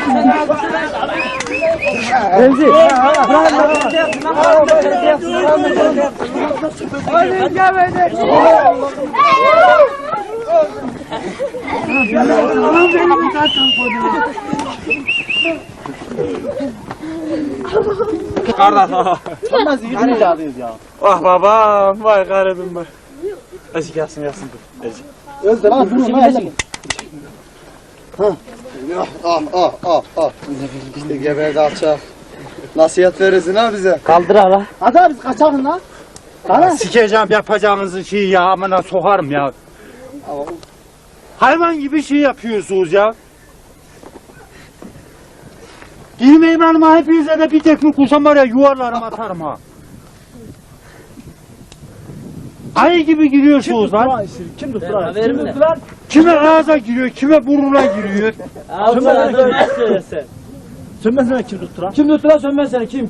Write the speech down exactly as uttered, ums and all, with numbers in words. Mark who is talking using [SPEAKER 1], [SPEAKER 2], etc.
[SPEAKER 1] Remzi.
[SPEAKER 2] Kardeş.
[SPEAKER 1] Olmaz yürüyünce alıyoruz ya.
[SPEAKER 2] Ah babam, vay garibim vay. Ezik yatsın yatsın dur. Ezik.
[SPEAKER 1] Özde lan durun lan hele.
[SPEAKER 3] Ah ah ah ah. İşte geberdi alçak. Nasihat verirsin ha bize.
[SPEAKER 1] Kaldır hala. Hadi abi biz kaçalım lan. Hadi.
[SPEAKER 2] Sikeceğim yapacağınızı şey ya, amına sokarım ya. Hayvan gibi şey yapıyorsunuz ya. Girmeyin hanıma, hepinize de bir teknik kursam var ya, yuvarlarım atarım ha. Ayı gibi giriyorsunuz lan.
[SPEAKER 1] Kim tuttular? Kim tuttular?
[SPEAKER 2] Kime ağza giriyor, kime burnuna giriyor.
[SPEAKER 1] Sönmez seni kim tuttular? Kim tuttular sönmez seni kim?